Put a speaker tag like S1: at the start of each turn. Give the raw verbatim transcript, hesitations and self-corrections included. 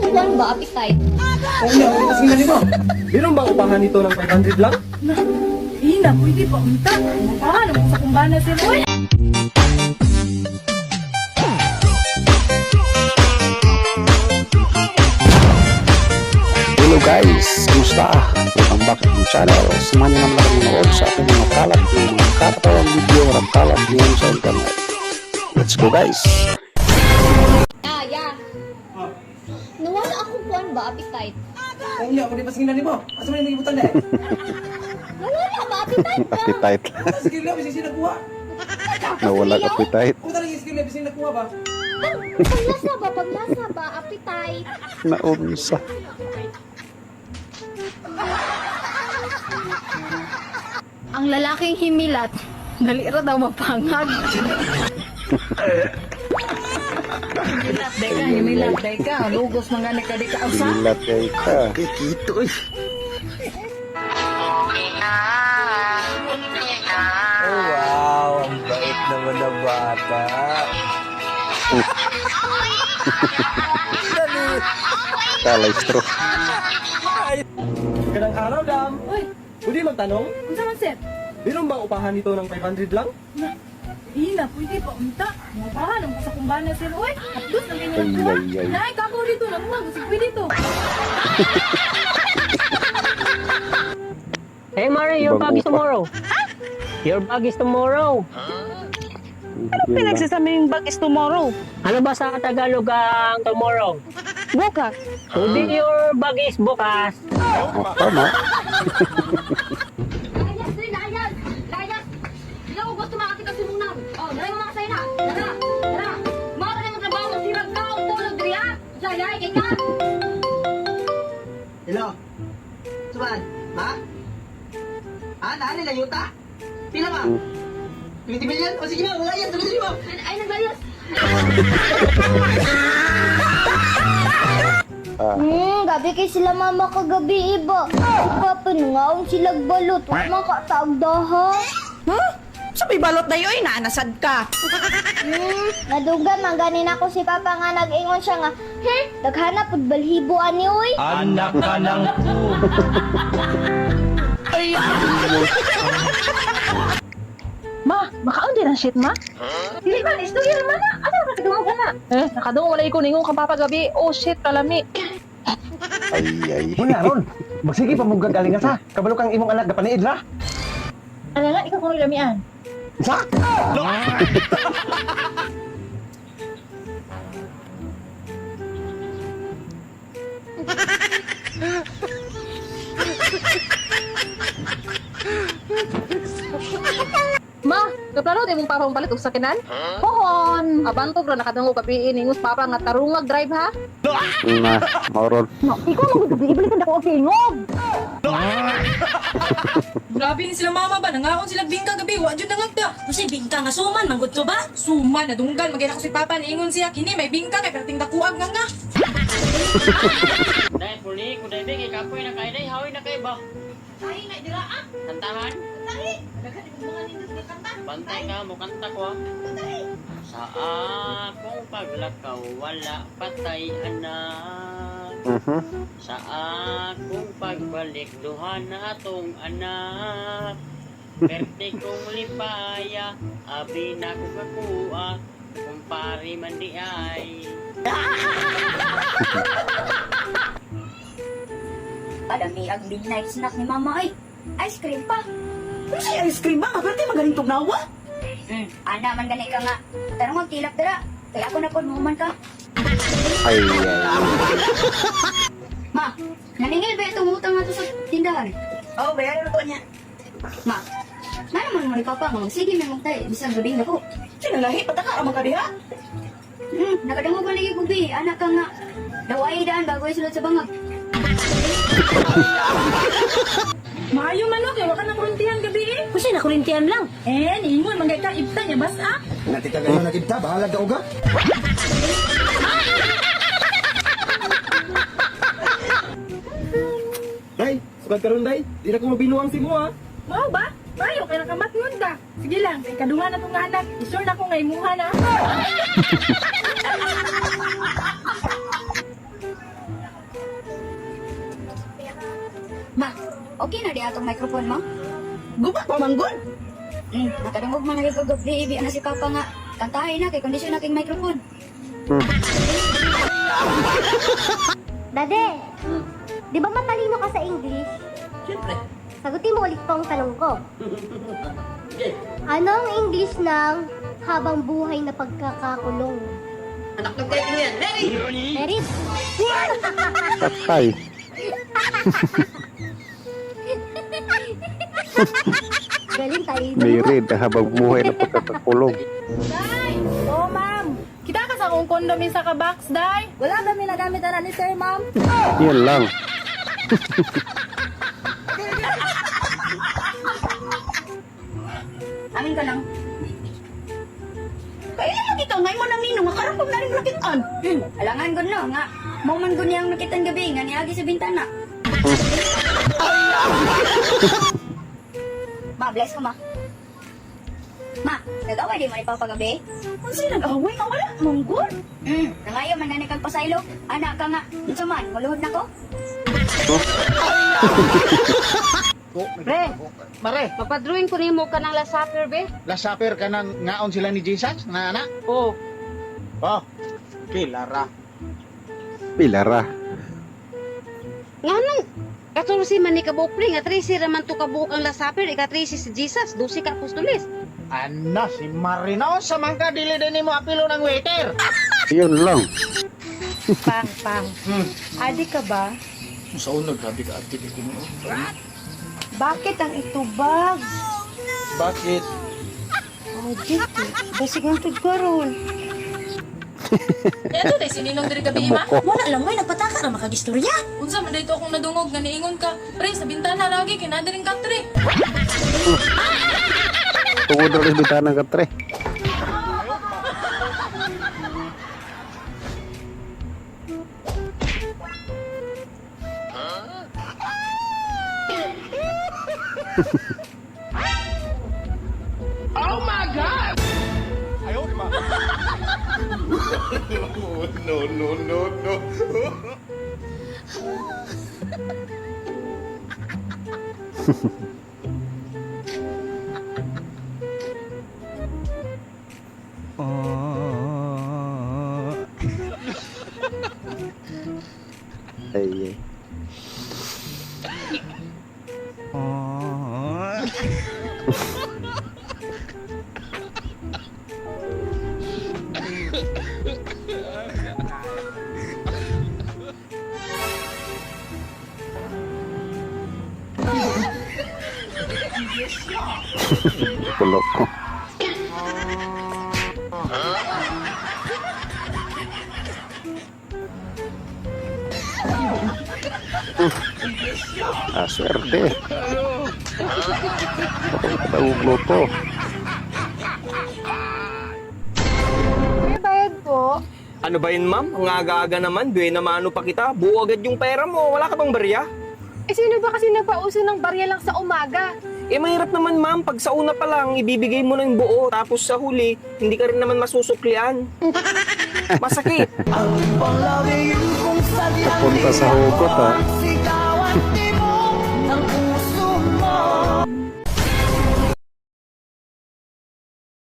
S1: kuwan ba appetite?
S2: Oo nga, hindi kasi nga mo. Meron bang upahan nito ng five hundred lang?
S3: Ina, pwede pa unta. Paano kung sa kumbana sila? Uy!
S4: Hello guys, kumusta? Welcome back to my channel. Samahan niyo naman ako manood sa aking mga kalat ng mga katatawang video ng kalat ngayon sa internet. Let's go guys!
S1: Ah, yeah. Nawala akong kuwan ba appetite?
S2: Oo nga, hindi pa sige na mo. Asa man yung nagibutan na eh?
S1: Nawala ba appetite ka?
S4: Appetite.
S2: Asa sige na, bising sinakuha.
S4: Nawala appetite.
S2: Kung talagang sige na, bising nakuha ba?
S1: Paglasa ba? Paglasa ba? Appetite.
S4: Naunsa.
S3: Ang lalaking himilat, dalira daw mapangag. Himilat, deka, himilat, deka. Lugos mga ka, deka. Asa?
S4: Bilat kay ka.
S2: Kito eh.
S5: Oh, wow, ang bait naman na bata.
S4: Kalay straw.
S2: Ganang araw, Dam.
S3: Uy,
S2: Pwede magtanong,
S3: unsa man sir?
S2: meron bang upahan nito ng five hundred lang?
S3: Ina, pwede pa unta. Paano kung sa kumbana sila? Uy, hapdos ng ganyan
S4: Ay,
S3: kuha.
S4: ay, ay.
S3: Nay, kako dito. Namuha, kasi pwede to.
S6: Hey Mari, your
S4: Ibang
S6: bag is
S4: upa.
S6: tomorrow. Your bag is tomorrow.
S7: Pinagsasaming bag is tomorrow.
S6: Ano ba sa Tagalog ang tomorrow?
S7: Bukas.
S6: Hindi your bag is bukas.
S4: Oh, tama.
S1: Layas, Dre, layas. Layas. Ikaw ko gusto makakita si Munang. Oh, dali mo makasay na. Tara, tara. Mara na mo trabaho. Masirag ka. Ang tulog, Dre, ha? Jaya, ikay ka.
S8: Hello? Suman? Ha? Ha? Naan nila yuta? Pila ba? twenty million? O sige na, wala yan. Tuloy mo.
S1: Ay, ay, naglayas.
S4: Ah,
S1: Hmm, gabi kay sila mama kagabi iba. Si Papa nangaon sila balot. Huwag makataagdaha.
S7: Huh? Sabi balot na yun, naanasad ka.
S1: Hmm, nadugan man ganin ako si Papa nga nag-ingon siya nga. Hmm, naghanap pud balhibo ani oy.
S5: Anak ka ng po.
S7: Ma, makaon din ang shit, ma? Dili man, istorya naman na. Ano na nakadungo ka na? Eh, nakadungo wala ko ningon kang papagabi. Oh shit, kalami.
S4: ay, ay.
S2: Muna ron. Magsige pa mong gagalingan sa. Kabalo kang imong anak gapaniid ra.
S7: Ano nga, ikaw kung ilamian.
S2: Sa?
S7: Ma, kaplano di mong papa mong palit og sakinan? Pohon. Abantog ra nakadungo gabi ningon papa nga tarungag drive ha.
S4: Na, moron.
S7: No, ikaw mo gabi ibalikan ako og tingog.
S3: Grabe ni sila mama ba? Nangaon sila bingka gabi. Wa dyan nangagda. Kasi bingka nga suman. Manggot to ba? Suman. Nadunggan. Magyan ako si Papa. Niingon siya. Kini may bingka. Kaya perating dakuag nga nga.
S6: Dahil puli, kung dahil bigay kapoy na kayo, dahil hawin na kayo ba?
S3: Ay, na dira ah.
S6: Kantahan?
S3: Tahi. Daghan yung mga nindot nga kanta.
S6: Bantay ka mo, kanta ko ah. Sa akong paglakaw, wala patay anak.
S4: Mhm.
S6: Sa akong pagbalik, duha na atong anak. Perte kong lipaya, abi na ko kakuha, kung pari man di ay.
S1: Padami ang midnight snack ni Mama ay. Ice cream pa.
S8: Ano siya ice cream ba? Aparte magaling tugnawa?
S1: Hmm, ana man gani ka nga. Pero magtilap dira. Kaya ako na po numan ka.
S4: Ay, ay.
S1: Ma, naningil ba itong utang nga to sa tindahan?
S8: Oo, oh, bayaran na to niya.
S1: Ma, na naman mo ni Papa nga. Sige, may mong tayo. Bisang gabi na ko.
S8: Siya nalahi, pataka ang mga diha.
S1: Hmm, nakadamo ba lagi gubi? Anak ka nga. Dawai daan bago isulod sa bangag.
S3: Maayo manok. Kaya waka na kuruntihan gabi eh.
S7: Kasi na kurintiyan lang.
S3: Eh, niingon. Manggay ka. Ibta niya. Bas ah.
S2: Nanti ka ganyan nagibta, bahala ka uga. Day, sukad ka ron, Day. Di na ko mabinuang si mo, ha?
S3: Mao ba? Mayo. Kaya nakamatngon ka. Sige lang. Kay kadungan na itong anak. Isure na ko nga imuha na.
S1: okay na di atong microphone, ma'am.
S8: Gubat pa manggol.
S1: Hmm, nakadungog man lagi ko gabi, ibi na si Papa nga. Kantahin na kay kondisyon na king microphone.
S9: Dade, di ba matalino ka sa English?
S8: Siyempre.
S9: Sagutin mo ulit tong tanong ko. Anong English ng habang buhay na pagkakakulong?
S8: Anak ng kayo yan. Mary!
S9: Merit?
S4: Patay.
S9: Galing tayo.
S4: May red habang buhay na pagkakakulong.
S7: Oo, ma'am. Kita ka sa kong kondomin sa kabox, day.
S1: Wala ba may nagamit na ni sir, ma'am?
S4: Yan lang.
S1: Amin ka lang. Kailan lang ito, ngayon mo nang nino, makarapag na rin nakitaan. Hmm, alangan ko no, nga. Mauman ko niyang nakitaan gabi, nga niagi sa bintana. Ma, bless ka, ma. Ma, nag-away di man ipapagabi?
S8: Ano sa'yo nag-away nga wala? Manggol?
S1: Hmm, nangayo man gani kang pasaylo. Anak ka nga, unsa man, maluhod na ko?
S2: Pre, Mare,
S7: Papadruin ko nimo ka ng last supper, be.
S2: last supper ka nang ngaon sila ni Jesus, na anak?
S7: Oo.
S2: Oh, kilara.
S4: Pilara.
S7: Nga nang, katulsi man ni kabukli, nga trisi raman to kabuok ang last supper, ika trisi si Jesus, dusi ka apostolis.
S2: Ano, si Marino, sa mga dili din mo apilo ng waiter.
S4: Yun lang.
S7: Pang, pang.
S2: Hmm.
S7: Adi ka ba?
S2: Sa unod, sabi ka, ati ko mo.
S7: Bakit ang itubag?
S2: Bakit?
S7: Oh, dito. Basig ang tugkaroon.
S3: Kaya to, sininong diri gabi, ma?
S4: Buko.
S3: Wala lang, may nagpataka na makagistorya. Unsa man dito akong nadungog nga niingon ka. Pre, sa bintana lagi, kinadaring country.
S4: Tungod na rin bitana ka, tre. Ay, ay. Kulok ko. Ah, swerte. Bakit patawag luto?
S7: May bayad po.
S5: Ano ba yun, ma'am? Ang aga-aga naman, buhay na mano pa kita. Buo agad yung pera mo. Wala ka bang barya?
S7: Eh, sino ba kasi nagpauso ng barya lang sa umaga?
S5: Eh, mahirap naman, ma'am. Pag sa una pa lang, ibibigay mo ng buo. Tapos sa huli, hindi ka rin naman masusuklian. Masakit.
S4: Napunta sa hugot, ha?